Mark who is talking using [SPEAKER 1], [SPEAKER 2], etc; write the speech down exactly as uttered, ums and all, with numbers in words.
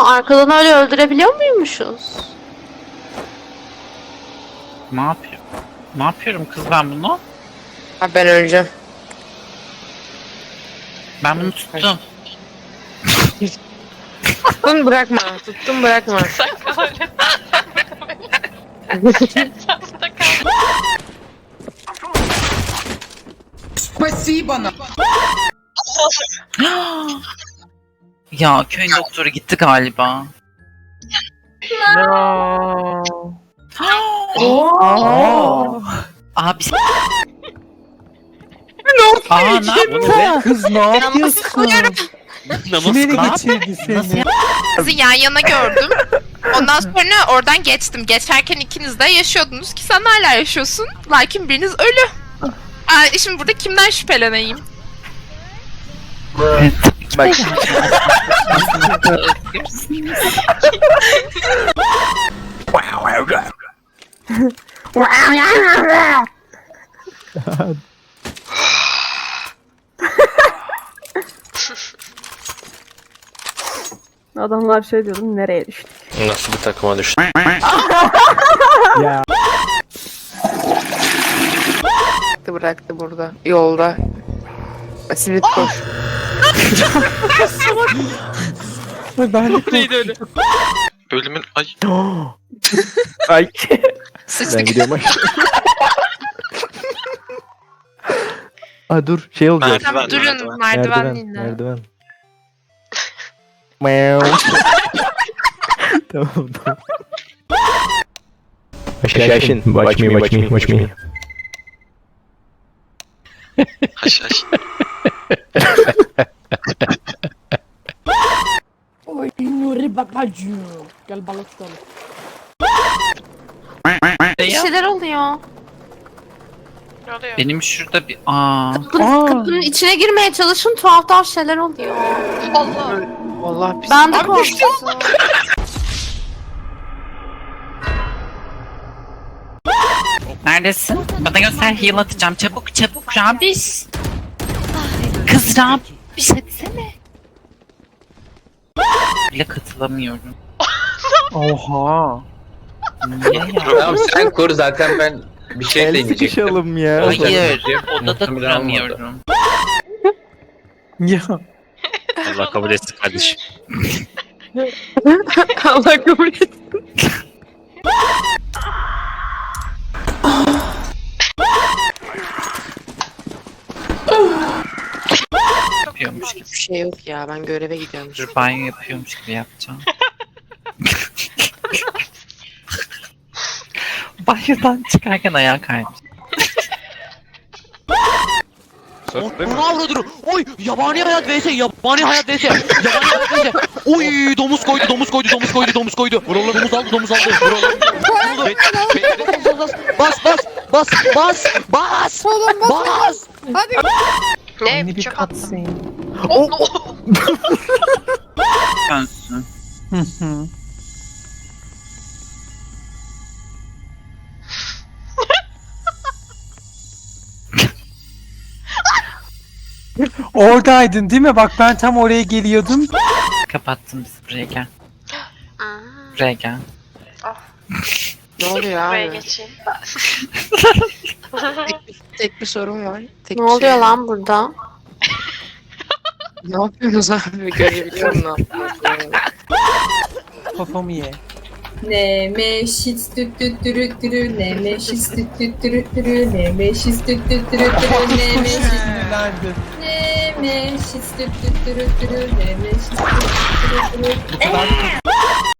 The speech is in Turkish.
[SPEAKER 1] Aa, arkadan öyle öldürebiliyor muymuşuz?
[SPEAKER 2] Ne yapıyor? Ne yapıyorum kız ben bunu?
[SPEAKER 3] Ha, ben öleceğim.
[SPEAKER 2] Ben bunu tuttum.
[SPEAKER 3] Tuttun bırakma. Tuttun bırakma.
[SPEAKER 4] Спасибо нам.
[SPEAKER 2] Ya köyün doktoru gitti galiba.
[SPEAKER 3] No.
[SPEAKER 2] Oo. Abi Aa ne yaptın?
[SPEAKER 5] Kız ne yapıyorsun? Kim ele
[SPEAKER 2] Ne
[SPEAKER 5] geçirdi seni?
[SPEAKER 6] Sizi yan yana gördüm. Ondan sonra oradan geçtim. Geçerken ikiniz de yaşıyordunuz ki sen hala yaşıyorsun. Lakin biriniz ölü. Aa, şimdi burada kimden şüpheleneyim?
[SPEAKER 5] Bak
[SPEAKER 7] Adamlar şey diyordum, nereye düştü?
[SPEAKER 8] Nasıl bir takıma düştü?
[SPEAKER 5] ya
[SPEAKER 3] Bıraktı burada. Yolda. Simit koş.
[SPEAKER 5] ben de korktum.
[SPEAKER 8] Ölümün ay.
[SPEAKER 5] Ay ben
[SPEAKER 6] Sıçtık.
[SPEAKER 5] gidiyorum aşağı. Aa dur şey olacak.
[SPEAKER 6] Tamam, durun
[SPEAKER 8] merdiven.
[SPEAKER 6] merdiven,
[SPEAKER 5] Merdiven,
[SPEAKER 6] dinle.
[SPEAKER 5] merdiven. Meow. Tamam tamam. Aşağı watch me, watch me, watch me.
[SPEAKER 8] Haş haş.
[SPEAKER 7] Oy Nuri babacığım. Gel balık tutalım.
[SPEAKER 1] Bir şeyler oluyor.
[SPEAKER 2] Benim şurada bir aa.
[SPEAKER 1] Kapının, kapının içine girmeye çalışın, tuhaf tuhaf şeyler oluyor.
[SPEAKER 3] Vallahi biz...
[SPEAKER 1] Ben de korktum.
[SPEAKER 2] Neredesin? Bana göster heal atacağım. Çabuk çabuk Rabiş. Kız Rabiş etsene. Bile katılamıyorum.
[SPEAKER 5] Oha.
[SPEAKER 2] Niye ya?
[SPEAKER 9] Tamam sen kur zaten ben bir şey
[SPEAKER 5] El
[SPEAKER 9] deneyecektim.
[SPEAKER 5] sıkışalım ya.
[SPEAKER 2] Hayır. Odada
[SPEAKER 9] Muhtemelen
[SPEAKER 2] kuramıyorum.
[SPEAKER 5] Ya.
[SPEAKER 8] Allah kabul etsin kardeşim.
[SPEAKER 3] Allah kabul etsin.
[SPEAKER 2] Yapıyormuş gibi.
[SPEAKER 3] Hiçbir şey yok ya. Ben göreve gidiyorum.
[SPEAKER 2] Dur banyo yapıyormuş gibi yapacağım. Banyodan çıkarken ayağa kaymış.
[SPEAKER 10] Bunu avradır. Oy yabani hayat vs yabani hayat vs yabani hayat vs. Oy domuz koydu domuz koydu domuz koydu domuz koydu. Vuralım domuz aldı domuz aldı. Vuralım. Be- be- Bas bas bas bas bas bas.
[SPEAKER 5] Ne bir cutscene.
[SPEAKER 2] Dönsün.
[SPEAKER 5] Hı hı. Oradaydın değil mi? Bak ben tam oraya geliyordum.
[SPEAKER 2] Kapattım bizi, buraya gel. Buraya gel.
[SPEAKER 3] Ne oluyor abi?
[SPEAKER 6] Buraya geçeyim.
[SPEAKER 3] Tek bir sorun var. Tek
[SPEAKER 1] Ne
[SPEAKER 3] bir
[SPEAKER 1] oluyor
[SPEAKER 3] şey.
[SPEAKER 1] lan burada?
[SPEAKER 3] Ne yapıyorsunuz abi? Görebiliyor musun? Ne yapıyorsunuz?
[SPEAKER 5] Kafamı ye.
[SPEAKER 11] Nemeşiz tüt tüt türü türü Nemeşiz tüt tüt türü türü Nemeşiz tüt tüt türü türü Nemeşiz
[SPEAKER 5] Sinirlendim.
[SPEAKER 11] Nemeşiz tüt tüt türü türü Nemeşiz tüt tüt türü türü